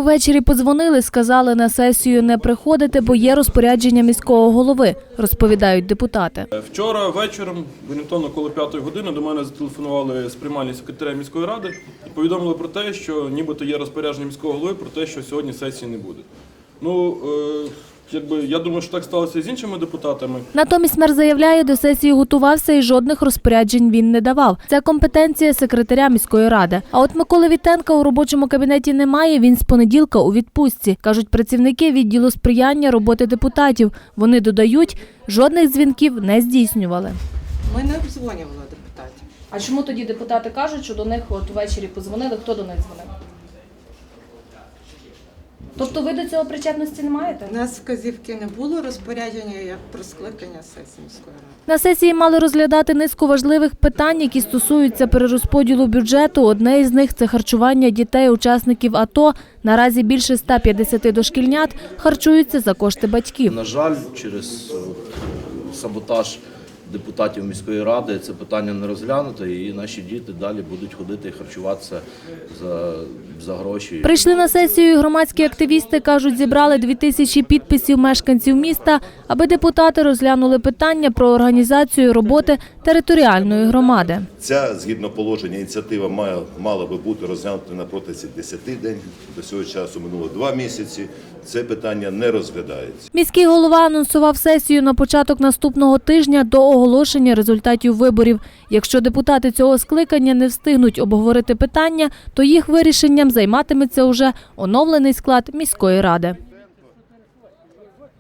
Ввечері подзвонили, сказали на сесію не приходити, бо є розпорядження міського голови, розповідають депутати. Вчора вечором, орієнтовно коло 5-ї години, до мене зателефонували з приймальні секретаря міської ради і повідомили про те, що нібито є розпорядження міського голови про те, що сьогодні сесії не буде. Я думаю, що так сталося і з іншими депутатами. Натомість мер заявляє, до сесії готувався і жодних розпоряджень він не давав. Це компетенція секретаря міської ради. А от Миколи Вітенка у робочому кабінеті немає, він з понеділка у відпустці. Кажуть працівники відділу сприяння роботи депутатів. Вони додають, жодних дзвінків не здійснювали. Ми не обдзвонювали депутатів. А чому тоді депутати кажуть, що до них от ввечері подзвонили? Хто до них дзвонив? Тобто ви до цього причетності не маєте? У нас вказівки не було, розпорядження як про скликання сесії міської ради. На сесії мали розглядати низку важливих питань, які стосуються перерозподілу бюджету. Одне із них – це харчування дітей-учасників АТО. Наразі більше 150 дошкільнят харчуються за кошти батьків. На жаль, через саботаж депутатів міської ради це питання не розглянуто, і наші діти далі будуть ходити і харчуватися за гроші. Прийшли на сесію і громадські активісти, кажуть, зібрали 2000 підписів мешканців міста, аби депутати розглянули питання про організацію роботи територіальної громади. Ця, згідно положення, ініціатива мала би бути розглянута на протязі 10 днів. До цього часу минуло 2 місяці. Це питання не розглядається. Міський голова анонсував сесію на початок наступного тижня до оголошення результатів виборів. Якщо депутати цього скликання не встигнуть обговорити питання, то їх вирішенням займатиметься уже оновлений склад міської ради.